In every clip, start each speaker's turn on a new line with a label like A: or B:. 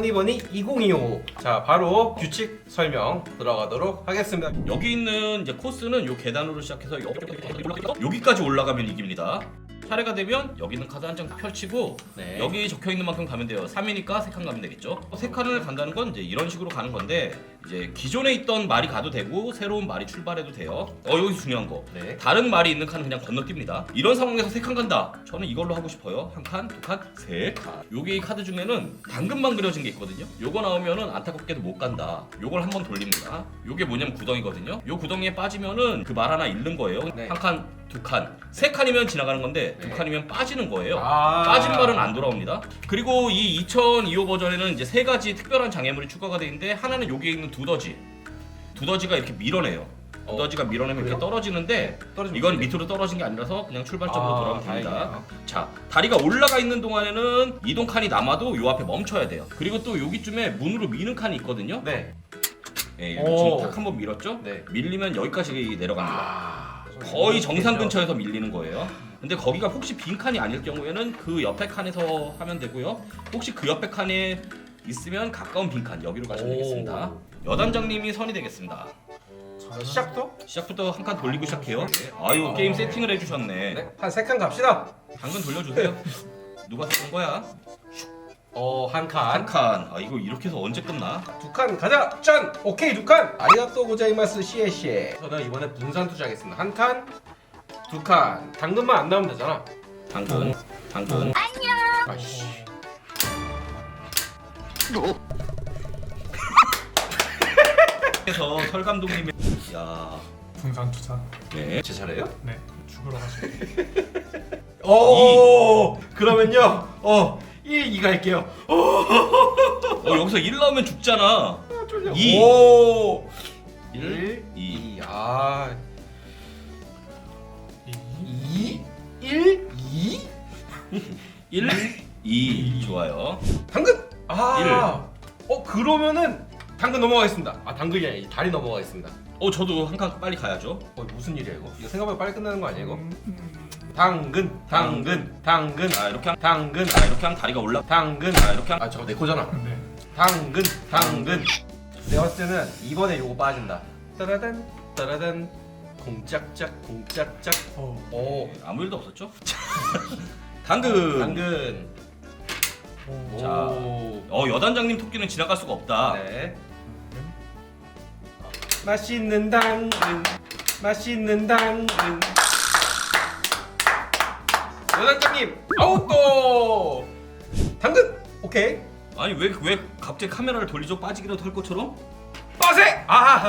A: 허니버니 2025. 자, 바로 규칙 설명 들어가도록 하겠습니다.
B: 여기 있는 이제 코스는 요 계단으로 시작해서 여기까지 올라가면 이깁니다. 차례가 되면 여기 있는 카드 한 장 펼치고
A: 네.
B: 여기 적혀 있는 만큼 가면 돼요. 3이니까 3칸 가면 되겠죠. 3칸을 간다는 건 이제 이런 식으로 가는 건데 이제 기존에 있던 말이 가도 되고 새로운 말이 출발해도 돼요. 여기 중요한 거.
A: 네.
B: 다른 말이 있는 칸은 그냥 건너뜁니다. 이런 상황에서 3칸 간다. 저는 이걸로 하고 싶어요. 1칸, 2칸, 3칸. 여기 카드 중에는 당근만 그려진 게 있거든요. 요거 나오면은 안타깝게도 못 간다. 요걸 한번 돌립니다. 요게 뭐냐면 구덩이거든요. 요 구덩이에 빠지면은 그 말 하나 잃는 거예요.
A: 네.
B: 1칸, 2칸, 3칸이면 지나가는 건데
A: 네.
B: 2칸이면 빠지는 거예요.
A: 아.
B: 빠진 말은 안 돌아옵니다. 그리고 이 2025 버전에는 이제 3가지 특별한 장애물이 추가가 되어 있는데 하나는 여기에 있는 두더지. 두더지가 이렇게 밀어내요. 두더지가 밀어내면
A: 그래요?
B: 이렇게 떨어지는데
A: 떨어지면
B: 이건
A: 어떡해?
B: 밑으로 떨어진 게 아니라서 그냥 출발점으로 돌아오면 됩니다.
A: 다행이네요.
B: 자, 다리가 올라가 있는 동안에는 이동 칸이 남아도 요 앞에 멈춰야 돼요. 그리고 또 여기쯤에 문으로 미는 칸이 있거든요.
A: 네.
B: 예,
A: 오.
B: 지금 탁 한번 밀었죠?
A: 네.
B: 밀리면 여기까지 내려갑니다.
A: 아,
B: 거의 정상 근처에서 밀리는 거예요. 근데 거기가 혹시 빈 칸이 아닐 경우에는 그 옆에 칸에서 하면 되고요. 혹시 그 옆에 칸에 있으면 가까운 빈 칸 여기로 가시면
A: 오.
B: 되겠습니다. 여단장님이 선이 되겠습니다.
A: 자, 시작부터?
B: 시작부터 한 칸 돌리고 시작해요. 아유, 게임 세팅을 해주셨네.
A: 네. 한 3칸 갑시다.
B: 당근 돌려주세요. 누가 쏜 거야?
A: 한
B: 한
A: 칸.
B: 칸. 아, 이거 이렇게 해서 언제 끝나?
A: 2칸 가자. 짠. 오케이, 2칸. 아리가또 고자이마스 시에시에. 저는 이번에 분산 투자하겠습니다. 한 칸, 2칸. 당근만 안 나오면 되잖아.
B: 당근, 당근.
A: 아이씨.
B: 그래서 설 감독님의 야,
C: 분산 투자.
B: 네.
A: 제 차례예요?
C: 네. 죽으러 가시고.
A: 오. 그러면요. 1, 2 갈게요.
B: 여기서 1 나오면 죽잖아.
A: 쫄려.
B: 2.
A: 오.
B: 1, 2.
A: 2. 아.
C: 2.
A: 2 1 2
B: 1, 2. 좋아요.
A: 당근. 아. 그러면은 당근 넘어가겠습니다. 아, 당근이 아니라 다리 넘어가겠습니다.
B: 저도 한 칸 빨리 가야죠.
A: 무슨 일이야 이거? 이거 생각보다 빨리 끝나는 거 아니야 이거? 당근.
B: 이렇게 한,
A: 당근.
B: 이렇게 한 다리가 올라.
A: 당근.
B: 이렇게 한.
A: 저거 내 거잖아.
C: 네.
A: 당근. 내가 봤을 때는 이번에 요거 빠진다. 따라단 따라단 공짝짝. 오.
B: 아무 일도 없었죠? 당근.
A: 당근.
B: 자.
A: 오.
B: 여단장님 토끼는 지나갈 수가 없다.
A: 네. 맛있는 당근. 여단장님 아웃도. 당근. 오케이.
B: 아니 왜 갑자기 카메라를 돌리죠? 빠지기라도 할 것처럼?
A: 빠세.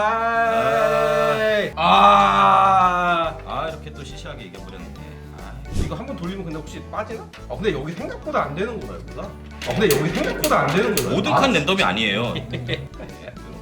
B: 이렇게 또 시시하게 이겨버렸네.
A: 이거 한번 돌리면 근데 혹시 빠지나? 근데 여기 생각보다 안 되는구나 여기가. 근데 여기 생각보다 안 되는구나.
B: 모든 칸 랜덤이 아니에요.